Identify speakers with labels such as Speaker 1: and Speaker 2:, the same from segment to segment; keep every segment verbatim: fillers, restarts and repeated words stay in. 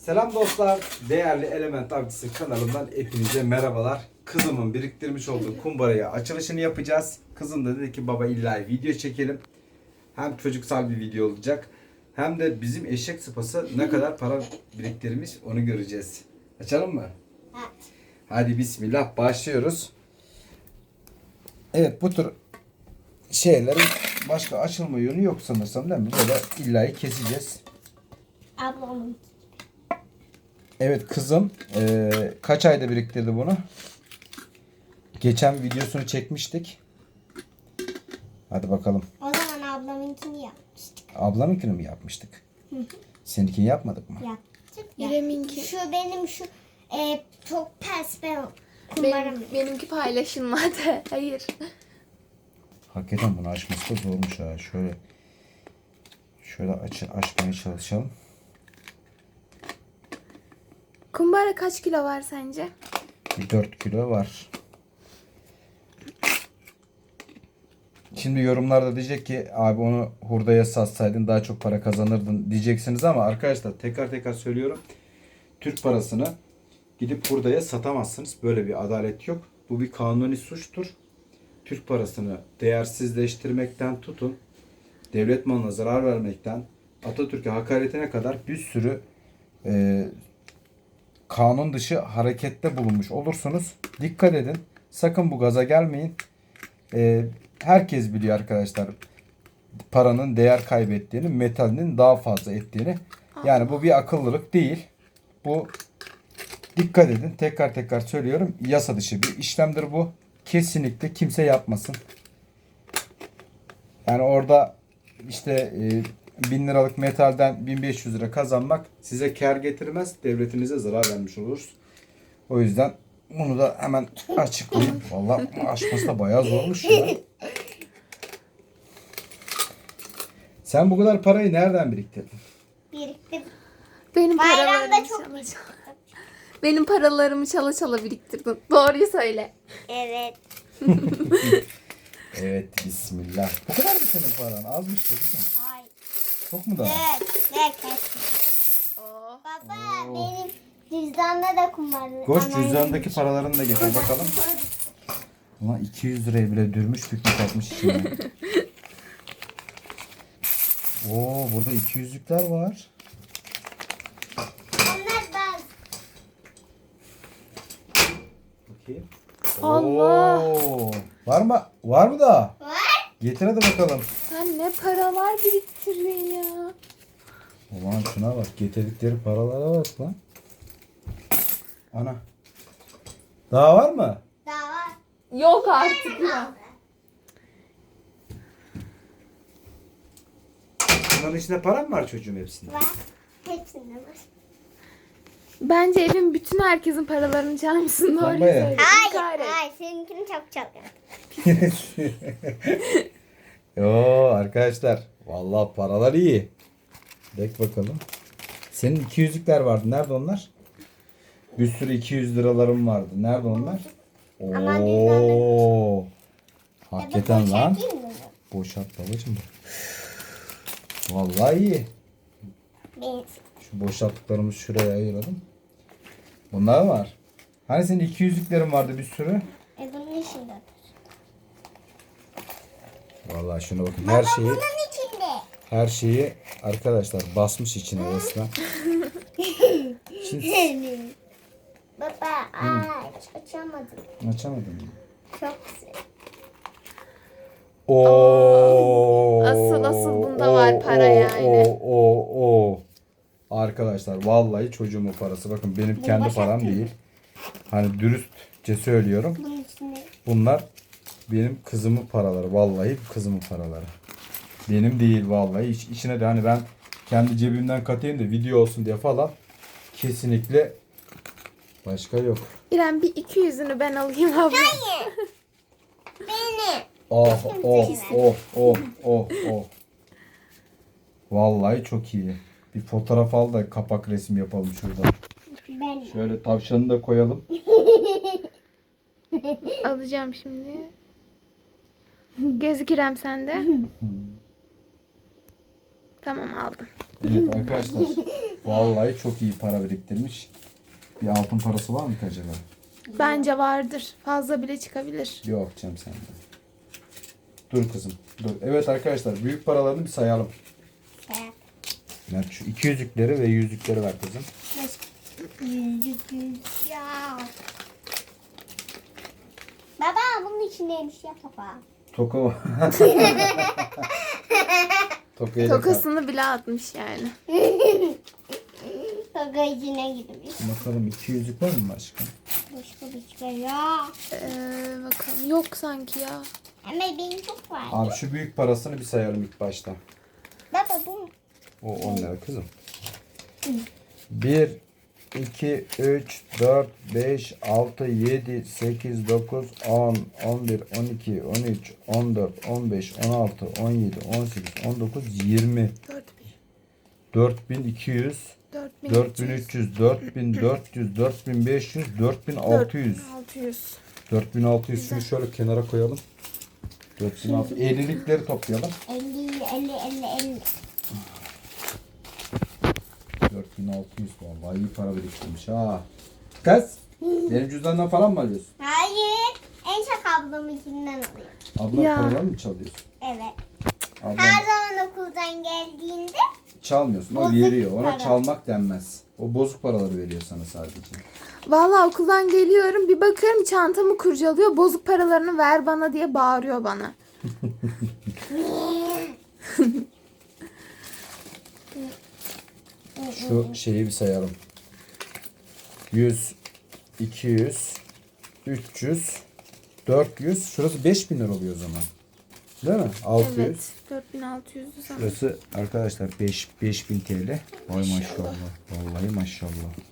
Speaker 1: Selam dostlar. Değerli Element Avcısı kanalımdan hepinize merhabalar. Kızımın biriktirmiş olduğu kumbaraya açılışını yapacağız. Kızım da dedi ki baba illa video çekelim. Hem çocuksal bir video olacak. Hem de bizim eşek sıpası ne kadar para biriktirmiş onu göreceğiz. Açalım mı?
Speaker 2: Evet.
Speaker 1: Hadi bismillah başlıyoruz. Evet, bu tür şeylerin başka açılma yönü yok sanırsam, değil mi? Böyle illa keseceğiz.
Speaker 2: Ablamın.
Speaker 1: Evet, kızım e, kaç ayda biriktirdi bunu? Geçen videosunu çekmiştik. Hadi bakalım.
Speaker 2: O zaman ablamınkini yapmıştık.
Speaker 1: Ablamınkini mi yapmıştık?
Speaker 2: Hı hı.
Speaker 1: Seninkini yapmadık mı?
Speaker 2: Yaptık.
Speaker 3: İrem'inki.
Speaker 2: Şu benim şu e, çok ters ben kumbaram.
Speaker 3: Benim, benimki paylaşılmadı. Hayır.
Speaker 1: Hakikaten bunu açması da zormuş ha. Şöyle şöyle aç, açmaya çalışalım.
Speaker 3: Kumbara kaç kilo var sence?
Speaker 1: Bir dört kilo var. Şimdi yorumlarda diyecek ki abi onu hurdaya satsaydın daha çok para kazanırdın diyeceksiniz ama arkadaşlar tekrar tekrar söylüyorum. Türk parasını gidip hurdaya satamazsınız. Böyle bir adalet yok. Bu bir kanuni suçtur. Türk parasını değersizleştirmekten tutun, devlet malına zarar vermekten, Atatürk'e hakaretine kadar bir sürü e, kanun dışı harekette bulunmuş olursunuz. Dikkat edin. Sakın bu gaza gelmeyin. E, herkes biliyor arkadaşlar paranın değer kaybettiğini, metalinin daha fazla ettiğini. Yani bu bir akıllılık değil. Bu, dikkat edin. Tekrar tekrar söylüyorum. Yasa dışı bir işlemdir bu. Kesinlikle kimse yapmasın. Yani orada işte e, bin liralık metalden bin beş yüz lira kazanmak size kar getirmez. Devletinize zarar vermiş oluruz. O yüzden bunu da hemen açıklayayım. Vallahi açması da bayağı zormuş ya. Sen bu kadar parayı nereden biriktirdin?
Speaker 2: Birikti.
Speaker 3: Benim
Speaker 2: Bayramda
Speaker 3: paralarımı
Speaker 2: çok
Speaker 3: çala
Speaker 2: birikti.
Speaker 3: çala. Benim paralarımı çala çala biriktirdin. Doğruyu söyle.
Speaker 2: Evet.
Speaker 1: Evet, bismillah. Bu kadar mı senin paran? Azmış değil mi?
Speaker 2: Hayır.
Speaker 1: Çok mu daha?
Speaker 2: Evet. Ne kesin.
Speaker 3: Oh.
Speaker 2: Baba
Speaker 1: Oo.
Speaker 2: benim cüzdanda da kumbara.
Speaker 1: Koş
Speaker 2: Anneannem-
Speaker 1: cüzdandaki paralarını da getir bakalım. Ulan iki yüz liraya bile dürmüş bükmüş atmış içine. Oo, burada iki yüzlükler var.
Speaker 2: Onlar ben.
Speaker 1: Bakayım.
Speaker 3: Allah.
Speaker 1: Oo, var mı? Var mı da?
Speaker 2: Var.
Speaker 1: Getir hadi bakalım.
Speaker 3: Sen ne paralar biriktirdin ya.
Speaker 1: Ulan şuna bak. Getirdikleri paralara bak lan. Ana. Daha var mı?
Speaker 2: Daha var.
Speaker 3: Yok artık ya.
Speaker 1: Bunların içinde para mı var çocuğum hepsinde?
Speaker 2: Var. Hepsinde var.
Speaker 3: Bence evin bütün herkesin paralarını çalmışsın. Doğruyu
Speaker 1: Bombaya.
Speaker 3: söyle.
Speaker 2: Hayır.
Speaker 3: Kahret.
Speaker 2: Hayır. Seninkini çok çalıyorum.
Speaker 1: Yo arkadaşlar. Vallahi paralar iyi. Bek bakalım. Senin iki yüzlükler vardı. Nerede onlar? Bir sürü iki yüz liralarım vardı. Nerede onlar?
Speaker 2: Ama
Speaker 1: Oo.
Speaker 2: Ya
Speaker 1: Hakikaten
Speaker 2: da
Speaker 1: lan.
Speaker 2: boşaltayım mı?
Speaker 1: Boşalt babacığım. Vallahi iyi.
Speaker 2: Benim.
Speaker 1: Şu boşalttıklarımızı şuraya ayıralım. Bunlar var. Hani senin iki yüzlüklerin vardı bir sürü?
Speaker 2: E bunun içinde.
Speaker 1: Vallahi şuna bakın. Her şeyi
Speaker 2: Bunun içinde.
Speaker 1: her şeyi arkadaşlar basmış içine resmen. Şimdi
Speaker 2: Baba aç. Açamadım.
Speaker 1: açamadım mı?
Speaker 2: Çok güzel.
Speaker 1: Oo.
Speaker 3: Asıl- asıl bunda var para yani.
Speaker 1: O o o. Arkadaşlar vallahi çocuğumun parası. Bakın benim
Speaker 2: Bunu
Speaker 1: kendi param
Speaker 2: boşaltayım.
Speaker 1: değil. Hani dürüstçe söylüyorum.
Speaker 2: Bunun içinde.
Speaker 1: Bunlar benim kızımın paraları. Vallahi kızımın paraları. Benim değil vallahi. İç, içine de hani ben kendi cebimden katayım da video olsun diye falan. Kesinlikle başka yok.
Speaker 3: İrem bir iki yüzünü ben alayım abla.
Speaker 2: Hayır. Benim.
Speaker 1: Oh oh oh oh oh oh. Vallahi çok iyi. Bir fotoğraf al da kapak resmi yapalım şurada.
Speaker 2: Ben.
Speaker 1: Şöyle tavşanı da koyalım.
Speaker 3: Alacağım şimdi. Gözük İrem sende. Tamam aldım.
Speaker 1: Evet arkadaşlar. Vallahi çok iyi para biriktirmiş. Bir altın parası var mı ki acaba?
Speaker 3: Bence vardır. Fazla bile çıkabilir.
Speaker 1: Yok canım sende. Dur kızım. Dur. Evet arkadaşlar büyük paralarını bir sayalım.
Speaker 2: Evet.
Speaker 1: Mert şu iki yüzükleri ve yüzükleri ver kızım.
Speaker 2: Yüzük yüzük ya. Baba bunun içindeymiş ya toka.
Speaker 1: Toka var. Tokayı da
Speaker 3: Tokasını bile atmış yani.
Speaker 2: Toka içine girmiş.
Speaker 1: bakalım iki yüzük var mı aşkım?
Speaker 2: Başka bir şey ya.
Speaker 3: Ee, bakalım. Yok sanki ya.
Speaker 2: Ama benim çok var.
Speaker 1: Abi şu büyük parasını bir sayalım ilk başta.
Speaker 2: Baba bu.
Speaker 1: O on lira kızım. bir, iki, üç, dört, beş, altı, yedi, sekiz, dokuz, on, on bir, on iki, on üç, on dört, on beş, on altı, on yedi, on sekiz, on dokuz, yirmi.
Speaker 3: dört bin.
Speaker 1: dört bin iki yüz,
Speaker 3: dört bin
Speaker 1: dört bin üç yüz, dört bin dört yüz, dört bin beş yüz, dört bin altı yüz.
Speaker 3: altı yüz.
Speaker 1: dört bin altı yüz. Şunu şöyle kenara koyalım. dört bin altı yüz. ellilikleri toplayalım.
Speaker 2: elli elli elli elli.
Speaker 1: dört bin altı yüz vallahi iyi para biriktirmiş ha. Kız, benim cüzdandan falan mı alıyorsun?
Speaker 2: Hayır. En çok ablamınkinden alıyorum.
Speaker 1: Abla
Speaker 3: Ya.
Speaker 1: paraları mı çalıyorsun?
Speaker 2: Evet.
Speaker 1: Ablam
Speaker 2: Her zaman okuldan geldiğinde
Speaker 1: çalmıyorsun. O
Speaker 2: Bozuk
Speaker 1: veriyor. Ona
Speaker 2: para.
Speaker 1: çalmak denmez. O bozuk paraları veriyor sana sadece.
Speaker 3: Vallahi okuldan geliyorum. Bir bakıyorum çantamı kurcalıyor. Bozuk paralarını ver bana diye bağırıyor bana.
Speaker 1: Şu şeyi bir sayalım. yüz, iki yüz, üç yüz, dört yüz. Şurası beş bin lira oluyor o zaman. Değil mi? altı yüz.
Speaker 3: Evet. dört bin altı yüz sanırım.
Speaker 1: Şurası arkadaşlar beş, beş bin T L. Vay maşallah. Vallahi maşallah.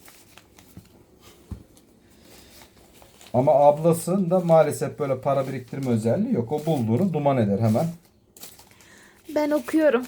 Speaker 1: Ama ablasında maalesef böyle para biriktirme özelliği yok. O bulduğunu duman eder hemen.
Speaker 3: Ben okuyorum.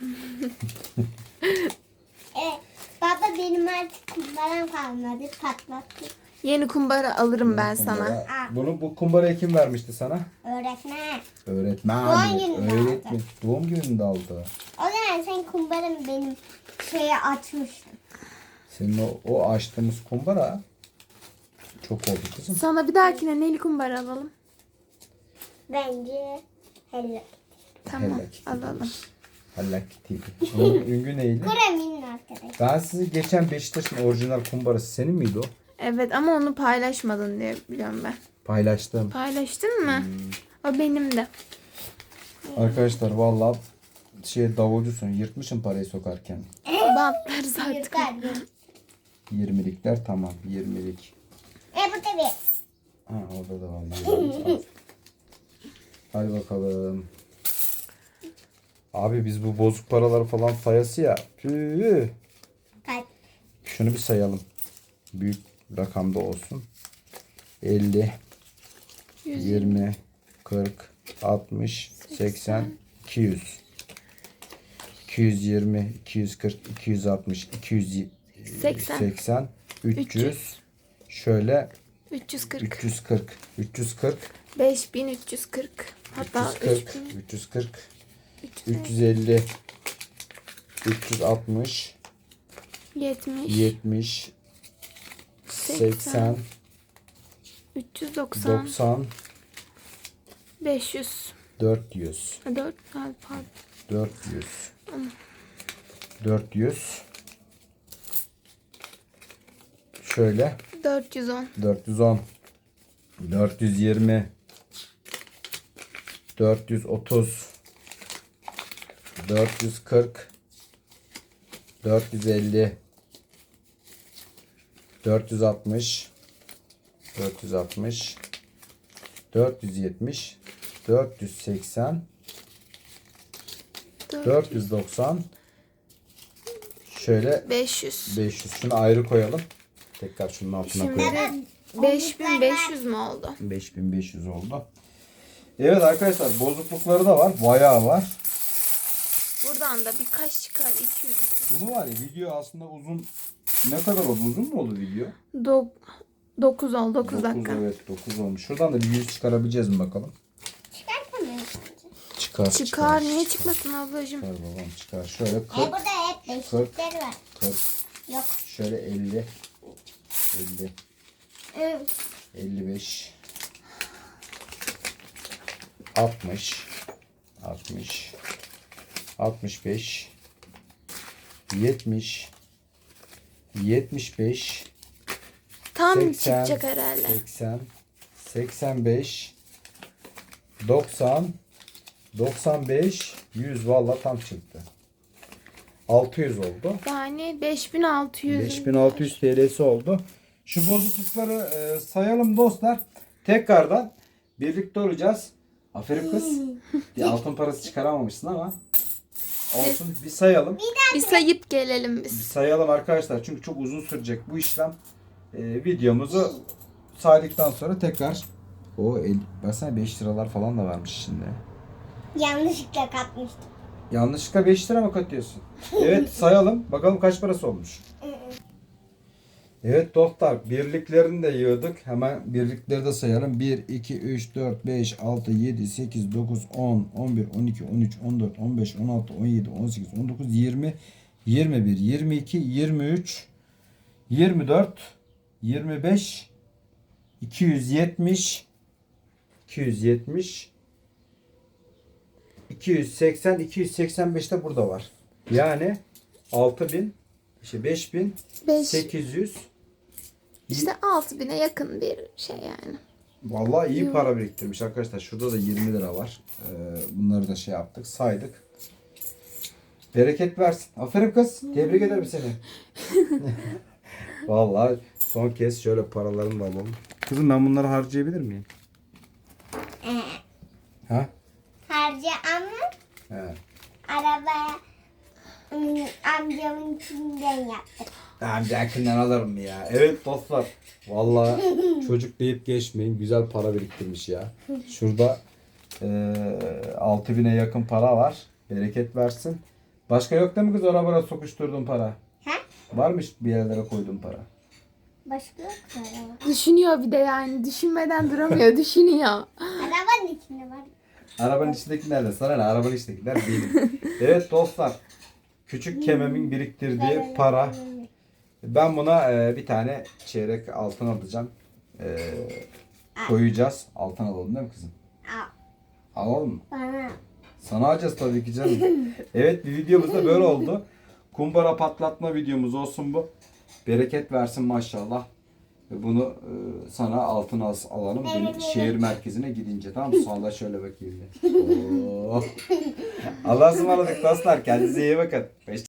Speaker 2: evet. Baba benim artık kumbaram kalmadı. Patlattı.
Speaker 3: Yeni kumbara alırım ben sana.
Speaker 1: Kumbara- Bunu bu kumbarayı kim vermişti sana?
Speaker 2: Öğretmen.
Speaker 1: Öğretmen.
Speaker 2: Doğum gününde
Speaker 1: Öğretmen. Doğum gününde aldı.
Speaker 2: O zaman sen kumbaramı benim şeye açmıştın.
Speaker 1: Senin o, o açtığımız kumbara çok oldu kızım.
Speaker 3: Sana bir dahakine neli kumbara alalım.
Speaker 2: Bence hello.
Speaker 3: Tamam
Speaker 1: Hello Kitty.
Speaker 3: alalım.
Speaker 1: Allah Kitty. Onun ünlü neydi?
Speaker 2: Kuraminin arkadaşı.
Speaker 1: Ben sizi geçen Beşiktaş'ın orijinal kumbarası senin miydi o?
Speaker 3: Evet ama onu paylaşmadın diye biliyorum ben.
Speaker 1: Paylaştım.
Speaker 3: Paylaştın mı? O benim de.
Speaker 1: Arkadaşlar vallahi şey davulcusun yırtmışım parayı sokarken.
Speaker 3: Bantlarız artık.
Speaker 2: Yırtar.
Speaker 1: yirmilikler tamam yirmilik.
Speaker 2: E bu tabii.
Speaker 1: Ha orada da var. Hadi bakalım. Abi biz bu bozuk paraları falan sayası ya. Tüh.
Speaker 2: Kaç?
Speaker 1: Şunu bir sayalım. Büyük rakamda olsun. elli, yirmi, kırk, altmış, seksen, iki yüz. iki yüz yirmi, iki yüz kırk, iki yüz altmış, iki yüz
Speaker 3: seksen.
Speaker 1: seksen, üç yüz.
Speaker 3: üç yüz.
Speaker 1: Şöyle
Speaker 3: üç yüz kırk.
Speaker 1: üç yüz kırk. üç yüz kırk.
Speaker 3: beş bin üç yüz kırk. Hatta
Speaker 1: üç yüz kırk.
Speaker 3: üç bin
Speaker 1: üç yüz kırk.
Speaker 3: üç yüz
Speaker 1: üç yüz elli. üç yüz altmış.
Speaker 3: yetmiş.
Speaker 1: yetmiş. seksen.
Speaker 3: üç yüz doksan.
Speaker 1: doksan.
Speaker 3: beş yüz.
Speaker 1: dört yüz.
Speaker 3: dört pardon.
Speaker 1: dört yüz. dört yüz. Şöyle.
Speaker 3: dört yüz on.
Speaker 1: dört yüz on. dört yüz yirmi. dört yüz otuz. dört yüz kırk. dört yüz elli. dört yüz altmış. dört yüz altmış. dört yüz yetmiş. dört yüz seksen. dört yüz doksan. Şöyle
Speaker 3: beş yüz.
Speaker 1: beş yüz. Şunu ayrı koyalım. Tekrar şunun altına
Speaker 3: Şimdi
Speaker 1: koyalım.
Speaker 3: beş bin beş yüz mü oldu?
Speaker 1: beş bin beş yüz oldu. Evet arkadaşlar bozuklukları da var. Bayağı var.
Speaker 3: Buradan da birkaç çıkar. iki yüz.
Speaker 1: Bunu var ya video aslında uzun. Ne kadar oldu? Uzun mu oldu video?
Speaker 3: Do dokuz oldu. dokuz
Speaker 1: dokuz,
Speaker 3: dakika.
Speaker 1: evet dokuz olmuş. Şuradan da bir yüz çıkarabileceğiz mi bakalım?
Speaker 2: Çıkartamıyorum bence.
Speaker 1: Çıkar.
Speaker 3: Çıkar. Niye çıkmasın ablacığım?
Speaker 1: Çıkar babam çıkar. Şöyle
Speaker 2: E
Speaker 1: kırk,
Speaker 2: burada hep beşikleri var.
Speaker 1: kırk,
Speaker 2: Yok.
Speaker 1: Şöyle elli. elli.
Speaker 2: Evet.
Speaker 1: elli beş. altmış. altmış. altmış beş. yetmiş. yetmiş beş.
Speaker 3: Tam
Speaker 1: seksen,
Speaker 3: çıkacak herhalde.
Speaker 1: seksen. seksen beş. doksan. doksan beş. yüz vallahi tam çıktı. altı yüz oldu.
Speaker 3: Yani beş bin altı yüz.
Speaker 1: beş bin altı yüz T L'si oldu. Şu bozuklukları e, sayalım dostlar. Tekrardan birlikte olacağız. Aferin kız. Bir altın parası çıkaramamışsın ama olsun, bir sayalım.
Speaker 3: Bir sayıp gelelim
Speaker 1: Bir
Speaker 3: biz.
Speaker 1: sayalım arkadaşlar. Çünkü çok uzun sürecek bu işlem. E, videomuzu saydıktan sonra tekrar o el, baksana beş liralar falan da varmış şimdi.
Speaker 2: Yanlışlıkla katmıştım.
Speaker 1: Yanlışlıkla beş lira mı katıyorsun? Evet, sayalım. Bakalım kaç parası olmuş. Evet dostlar, birliklerini de yığdık. Hemen birlikleri de sayalım. bir, iki, üç, dört, beş, altı, yedi, sekiz, dokuz, on, on bir, on iki, on üç, on dört, on beş, on altı, on yedi, on sekiz, on dokuz, yirmi, yirmi bir, yirmi iki, yirmi üç, yirmi dört, yirmi beş, iki yüz yetmiş, iki yüz yetmiş, iki yüz seksen, iki yüz seksen beş de burada var. Yani altı bin, işte beş bin
Speaker 3: beş.
Speaker 1: sekiz yüz.
Speaker 3: İşte altı bine yakın bir şey yani.
Speaker 1: Vallahi iyi para biriktirmiş arkadaşlar. Şurada da yirmi lira var. Ee, bunları da şey yaptık, saydık. Bereket versin. Aferin kız. Tebrik ederim seni. Vallahi son kez şöyle paralarını da alalım. Kızım, ben bunları harcayabilir miyim?
Speaker 2: Ee,
Speaker 1: Ha?
Speaker 2: harca ama
Speaker 1: He.
Speaker 2: arabaya ım, amcamın içinden yaptık.
Speaker 1: Amcakinden alırım ya. Evet dostlar. Vallahi çocuk deyip geçmeyin. Güzel para biriktirmiş ya. Şurada e, altı bine yakın para var. Bereket versin. Başka yok değil mi kız, arabaya sokuşturduğun para?
Speaker 2: Ha?
Speaker 1: Varmış bir yerlere koyduğun para.
Speaker 2: Başka yok mu araba?
Speaker 3: Düşünüyor bir de yani. Düşünmeden duramıyor. Düşünüyor.
Speaker 2: Arabanın içinde var.
Speaker 1: Arabanın içindekiler de sana ne? Arabanın içindekiler benim. Evet dostlar. Küçük kememin biriktirdiği para. Ben buna e, bir tane çeyrek altın alacağım. E, koyacağız. Altın alalım değil mi kızım?
Speaker 2: Al.
Speaker 1: Alalım mı?
Speaker 2: Bana.
Speaker 1: Sana alacağız tabii ki canım. Evet, bir videomuz da böyle oldu. Kumbara patlatma videomuz olsun bu. Bereket versin maşallah. Ve bunu e, sana altın al, alalım. Benim şehir merkezine gidince, tamam mı? Sonra şöyle bakayım bir. Oo. Allah'a ısmarladık dostlar. Kendinize iyi bakın.